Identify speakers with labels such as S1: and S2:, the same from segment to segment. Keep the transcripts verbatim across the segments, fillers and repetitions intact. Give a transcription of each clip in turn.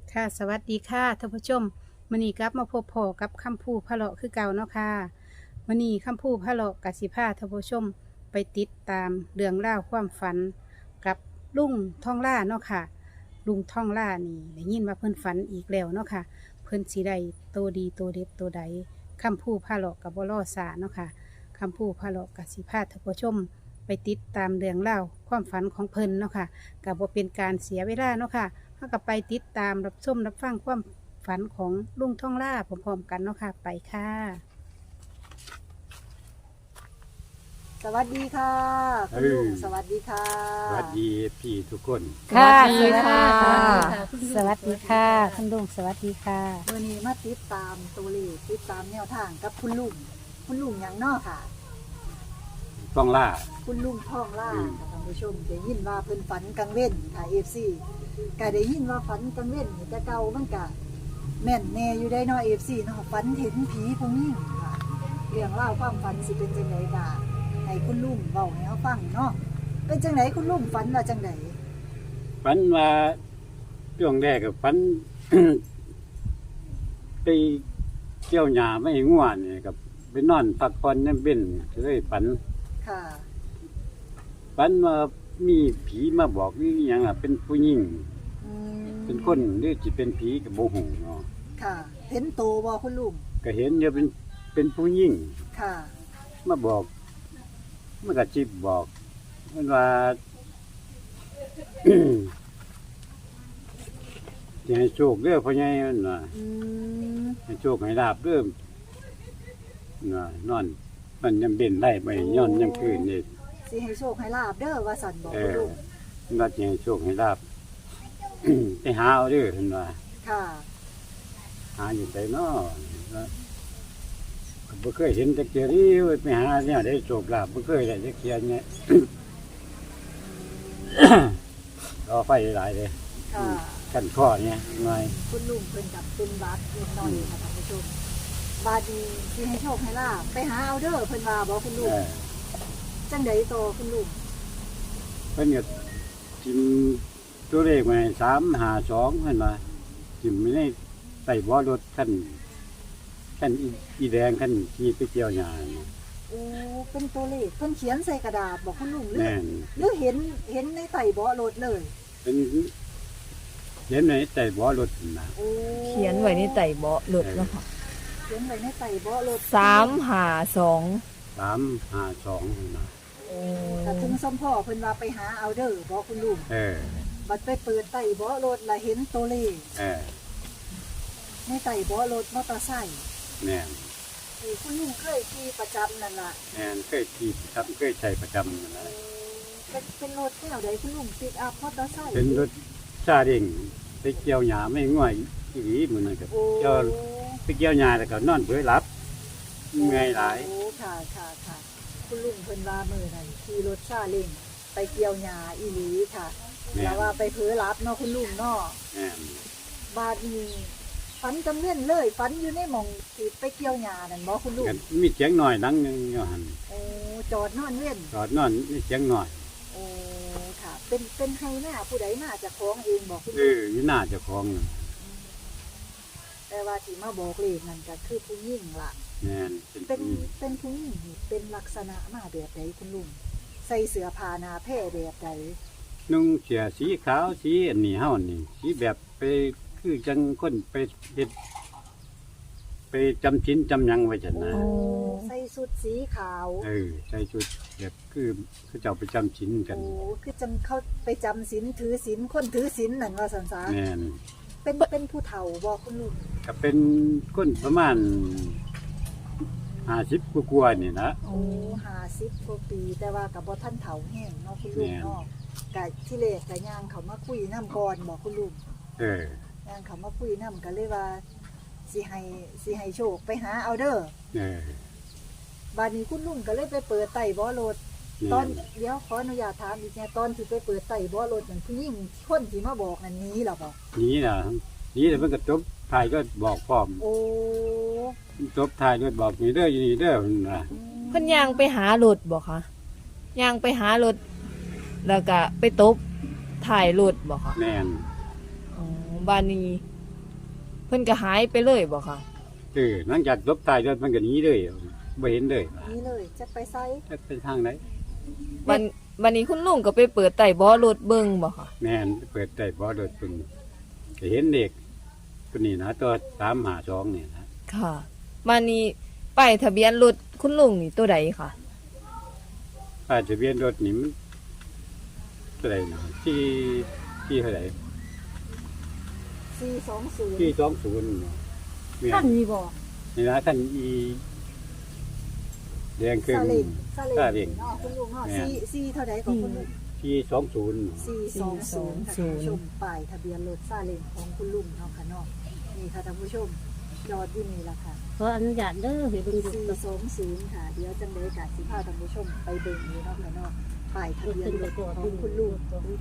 S1: ค่ะสวัสดีค่ะท่านผู้ชมมื้อนี้กลับมาพบพ่อกับคำพูพะเลาะคือเก่าเนาะค่ะมื้อนี้คำพูพะเลาะกสิพาท่านผู้ชมไปติดตามเรื่องราวความฝันกับลุงท่องล่าเนาะค่ะลุงท่องล่านี่ได้ยินว่าเพิ่นฝันอีกแล้วเนาะค่ะเพิ่นสิได้โตดีโตเด็ดโตใดคำพูพะเลาะกับบ่รอซาเนาะค่ะคำพูพะเลาะกสิพาท่านผู้ชมไปติดตามเรื่องราวความฝันของเพิ่นเนาะค่ะก็บ่เป็นการเสียเวลาเนาะค่ะ ถ้ากับไปติดตามรับชมรับฟังความฝันของลุงท่องล่าพร้อมๆกันเนาะค่ะไปค่ะ
S2: สวัสดีค่ะคุณลุงสวัสดีค่ะ
S3: สวัสดีพี่ทุกคน
S1: ค่ะ
S2: สวัสดีค่ะ
S1: สวัสดีค่ะคุณลุงสวัสดีค่ะ
S2: วันนี้มาติดตามตัวเลขติดตามแนวทางกับคุณลุงคุณลุงหยังเนอค่ะ
S3: ต้องล่า
S2: คุณลุงท่องล่า
S3: อืม
S2: ค่ะท่านผู้ชมได้ยินว่าเพิ่นฝันกลางเว้นค่ะเอฟซีก็ได้ยินว่าฝันกลางเว้นนี่แต่เก่ามันก็แม่นแน่อยู่ได้เนาะเอฟซีเนาะฝันเห็นผีผู้หญิงค่ะเรื่องราวความฝันสิเป็นจังไดบ้างให้คุณลุงเว้าให้เฮาฟังเนาะเป็นจังไดคุณลุงฝันว่าจังได
S3: ฝันว่าช่วงแรกกับฝัน ไปเกี่ยวหญ้าไม่ง่วนเนี่ยกับไปนอนพักผ่อนนั่นเป็นเลยฝัน
S2: ค่ะ
S3: ฝันว่ามีผีมาบอกนี่อหย่างอ่ะเป็นผู้หญิง
S2: อืม
S3: เป็นคนหรือจิเป็นผีกับโบหูเนาะ
S2: ค่ะ เห็นโตบ่คุณลุง
S3: ก็เห็นเดี๋ยวเป็นเป็นผู้หญิง
S2: ค่ะ
S3: มาบอกมันก็จิบบอกมันว่า จะให้โชคเด้อพ่อใหญ่มันว่า
S2: อืม
S3: ให้โชคให้ลาบเริ่มน่ะนอนมันยังเด่นได้ไปย้อนยังคืนนี่
S2: สิให้โชคให้ลาบเด้อว่าสันบอก
S3: เอ
S2: คุณ
S3: อ
S2: ลุง
S3: น่าจะให้โชคให้ลาบ ไปหาเอาเด้อเห็นว่า
S2: ค่ะ
S3: หาอยู่ไสน้อว่าก็บ่เคยเห็นจักเที่ยนี้เว้ยไปหาเนี่ยได้โชคลาภบ่เคยได้จักเที่ยเนี่ย รอไฟหลายเลย
S2: ค่ะ
S3: กันข้อเนี่ยหน่อย
S2: คุณลุงเป็นกับเป็นบาดเล็กน้อยค่ะท่านผู้ชมบาดดีสิให้โชคให้ลาบไปหาเอาเด้อเพิ่นว่าบอกคุณลุ
S3: เอง อ
S2: จังไดโตคุณลุง
S3: เพิ่นก็ทิมตัวเลขมาสามห้าสองเพิ่นว่าทิมไม่ได้ใส่บ่อรถคันคันอีอีแดงคันขี่ไปเกี่ยวหญ้านี่
S2: โอ้เป็นตัวเลขเพิ่นเขียนใส่กระดาษบอกคุณลุงหรือ
S3: แม่น
S2: หรือเห็นเห็นในไต่เบาะรถเลย
S3: เป็นเห็นไหนใส่บ่อรถนะ
S2: โอ้
S4: เขียนไว้ในไต่เบาะรถแล้วค่ะ
S2: เขียนไว้ในไต่เบาะรถ
S4: สามหาสอง
S3: สามห้าสองนะ
S2: ถ้าถึงสมพ่อเพิ่นว่าไปหาเอาเด้อบอกคุณลุง
S3: เออ
S2: บัดไปเปิดไต่เบาะรถและเห็นตัวเลข
S3: เออ
S2: ในไต่เบาะรถมอเตอร์ไซค์
S3: แม่น
S2: ที่คุณลุงเคยขี่ประจำนั่นล่ะ
S3: แม่นเคยขี่ประจำเคยใช้ประจำนั่นแหละ
S2: เป็นเป็นรถแนวใดคุณลุงปิกอัพมอเตอร์ไซค์
S3: เป็นรถซาเด้งไปเกี่ยวหญ้าไม่ง่วยอีหลีมื้อนั้นก็
S2: โอ้
S3: เกี่ยวไปเกี่ยวหญ้าแล้วก็นอนเผลอหลับเมื่อยหลาย
S2: โอ้ค่ะค่ะค่ะคุณลุงเพิ่นว่ามือนั่นขี่รถซาเล้งไปเกี่ยวหญ้าอีหลีค่ะ
S3: แม่
S2: แล้ว
S3: น
S2: ว่าไปเผลอรับเนาะคุณลุงเนาะ
S3: แม่น
S2: บาดนี้ฝันจำเล่นเลยฝันอยู่ในหม่องที่ไปเกี่ยวหญ้านั่นบ่คุณลุง
S3: ก็มีเสียงหน่อยดังหนึงอยู่หั่น
S2: โอ้จอดนอนเว้น
S3: จอดนอนมีเสียงหน่อย
S2: โอ้ค่ะ เป็นเป็นไฮหน้าผู้ใดมาจากของเองบอกคุณ
S3: เอ
S2: ลุง
S3: ออยู่หน้าเจ้าของน่ะ
S2: แต่ว่าที่มาบอกเลขนั่นก็คือผู้หญิงล่ะ
S3: แม่นเป็น
S2: เป็น
S3: ผู้หญิง
S2: เป็นผู้หญิงนี่เป็นลักษณะมาแบบใดคุณลุงใส่เสื้อผ้าหนาแพร่แบบใด
S3: นุ่งเสื้อสีขาวสีอันนี้เฮานี่สีแบบไปคือจังคนไปเฮ็ดไปจำชิ้นจำหยังไว้จันนะ
S2: ใส่สุดสีขาว
S3: เออใส่ชุดแบบคือคือเจ้าไปจำชิ้นกัน
S2: โอ้คือจังเขาไปจำศีลถือศีลคนถือศีลนั่นว่าสันสา
S3: แม่น
S2: เป็นเป็นผู้เฒ่าบอกคุณลุง
S3: ก็เป็นคนประมาณห้าสิบกว่าๆนี่นะ
S2: โอ้ห้าสิบกว่าปี แต่ว่ากับบ่ท่านเฒ่าแห้งเนาะคุณลุง
S3: แม่น
S2: เนาะกะที่เลกกะย่างเขามาคุยน้ำก่อนบอกคุณลุง
S3: เออ
S2: ย่างเขามาคุยน้ำก็เลยว่าสิให้สิให้โชคไปหาเอาเด้อ
S3: เออบ
S2: าดนี้คุณลุงก็เลยไปเปิดไต่บ่อรถ
S3: แม่
S2: ตอน
S3: น
S2: เดี๋ยวขออนุญาตถามอีกแน่ตอนที่ไปเปิดไต่บ่อรถนั่นผู้หญิงคนที่มาบอกนั่นหนี้หรอบอก
S3: นี่น่ะนี่แต่เพิ่นก็จบถ่ายก็บอกพร้อม
S2: โอ้
S3: จบถ่ายด้วยบอกนี่เด้ออยู่นี่เด้อเพิ่นว่า
S2: อืม
S4: เพิ่นย่างไปหารถบ่คะย่างไปหารถแล้วก็ไปตบถ่ายรถบ่คะ
S3: แม่น
S4: อ๋อบ้านนี้เพิ่นก็หายไปเลยบ่ค่ะ
S3: เออหลังจากลบตายรถมันก็หนีเลยบ่เห็นเลย
S2: นี่เลยจะไปไซ
S3: จะเป็นทางไหน
S4: วันวันนี้คุณลุงก็ไปเปิดไต่บ่อรถเบิ่งบ่ค่ะ
S3: แม่นเปิดได้บ่รถเพิ่นก็เห็นเด็กตัวนี้นะตัวสามห้าสองนี่นะ
S4: ค่ะวันนี้ป้ายทะเบียนรถคุณลุงนี่ตัวใดค่ะ
S3: ป้ายทะเบียนรถนี่มันเท่าไหร่นะที่ที่เท่าไหร่
S2: สี่สองศูนย์
S3: ที่สองศูนย์เนาะแม่
S1: ท่าน
S3: น
S1: มีบอก
S3: นี่นะท่านอีแดงครึ่ง
S2: ซาเล้งซา
S3: ซา
S2: เล้
S3: เล้
S2: ง
S3: ง
S2: เนาะคุณลุงเนาะ
S3: แม่
S2: สี่สี่เท่าใดของคุณลุง
S3: ที่สองศูนย์
S2: สี่สองศูนย์ค่ะท่านผู้ชมป้ายทะเบียนรถซาเล้งของคุณลุงเนาะค่ะเนาะนี่ค่ะท่านผู้ชมยอดที่นี่ล่ะค่ะ
S5: ขออนุญาตเด้อให้เบิ่งดู
S2: สี่สองศูนย์ค่ะเดี๋ยวจังได้กาสิพาท่านผู้ชมไปเบิ่งอยู่เนาะค่ะเนาะป้ายทะเบียนรถของคุณลุง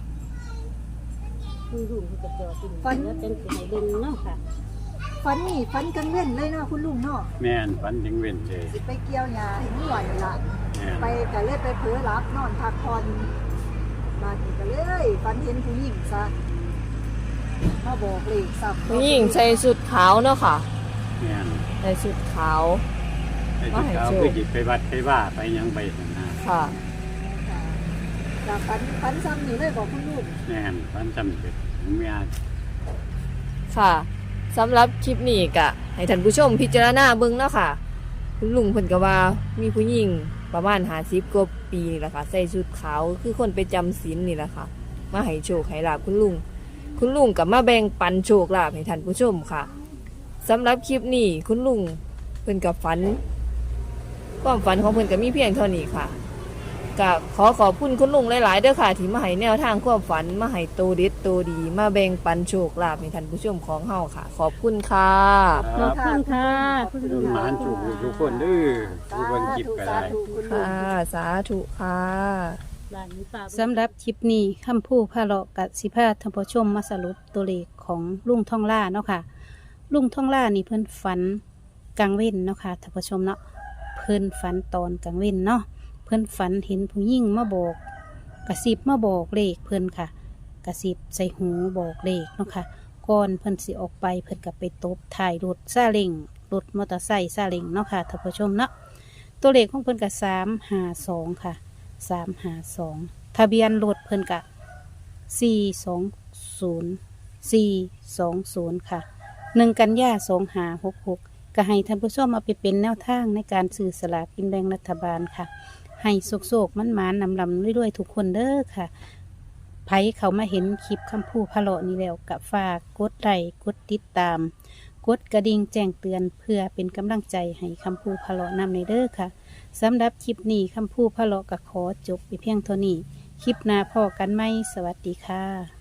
S5: คุณลุงเพิ่นก็จอดอยู่แล้วจังสิให้เบิ่งเนาะค่ะ
S2: ฟันนี่ฟันกันเว้นเลยเนาะคุณลุงเนาะ
S3: แม่นฝันถึงเว้นเลย
S2: สิไปเกี่ยวหญ้าให้มันไหวละ
S3: แม่น
S2: ไปก็เลยไปเผลอรับนอนพักผ่อนบ้านนี้ก็เลยฟันเห็นผู้หญิงซะมาบอกเลขซ้ำ
S4: ผู้หญิงใส่ชุดขาวเนาะค่ะ
S3: แม่น
S4: ใส่ชุดขาว
S3: ไอ้ที่เขาคือจิไปวัดไปว่าไปหยังไปนั่นนะ
S4: ค่ะ
S2: ค่ะจากฟันฟันซ้ำนี่เลยบอกคุณลุง
S3: แม่นฝันจำเป็นเมีย
S4: ค่ะสำหรับคลิปนี้ก็ให้ท่านผู้ชมพิจารณาเบิ่งเนาะค่ะ คุณลุงเพิ่นก็ว่ามีผู้หญิงประมาณห้าสิบกว่าปีนี่แหละค่ะใส่ชุดขาวคือคนไปจำศีลนี่แหละค่ะ มาให้โชคให้ลาภคุณลุง คุณลุงกับมาแบ่งปันโชคลาภให้ท่านผู้ชมค่ะสำหรับคลิปนี้คุณลุงเพิ่นกับฝันความฝันของเพิ่นก็มีเพียงเท่านี้ค่ะก็ขอขอบคุณคุณลุงหลายๆเด้อค่ะที่มาให้แนวทางความฝันมาให้โตเด็ดโตดี มาแบ่งปันโชคลาภให้ท่านผู้ชมของเฮาค่ะ ขอบคุณค่ะ
S3: ค
S5: ข
S3: รั
S5: อบบ คุณค่ะคุณลุง
S3: หมานถูกทุกคนเด้อทุกคนคิดก็ได้
S2: สาธุคุณลุง
S4: ค่ะ สาธุค่ะ
S5: บ้านนี้ป้า
S1: สำหรับคลิปนี้คำพูพาเลาะกับสิพาท่านผู้ชมมาสรุปตัวเลขของลุงท่องล่าเนาะค่ะ ลุงท่องล่านี่เพิ่นฝันกลางเว้นเนาะค่ะท่านผู้ชมเนาะเพิ่นฝันตอนกลางเว้นเนาะเพิ่นฝันเห็นผู้หญิงมาบอกกระซิบมาบอกเลขเพิ่นค่ะ กระซิบใส่หูบอกเลขเนาะค่ะก่อนเพิ่นสิออกไปเพิ่นก็ไปตบถ่ายรถซาเล้งรถมอเตอร์ไซค์ซาเล้งเนาะค่ะท่านผู้ชมเนาะตัวเลขของเพิ่นก็สามห้าสองค่ะสามห้าสองทะเบียนรถเพิ่นก็สี่สองศูนย์สี่สองศูนย์ค่ะหนึ่งกันยาสองห้าหกหกก็ให้ท่านผู้ชมมาไปเป็นแนวทางในการซื้อสลากกินแบ่งรัฐบาลค่ะ ให้โศกๆมันมานๆนำลำด้วยๆทุกคนเด้อค่ะไผเขามาเห็นคลิปคำพูพะเลาะนี้แล้วกับฝากกดไลค์กดติดตาม กดกระดิ่งแจ้งเตือนเพื่อเป็นกำลังใจให้คำพูพะเลาะนำในเด้อค่ะสำหรับคลิปนี้คำพูพะเลาะก็ขอจบไปเพียงเท่านี้ คลิปหน้าพอกันไหมสวัสดีค่ะ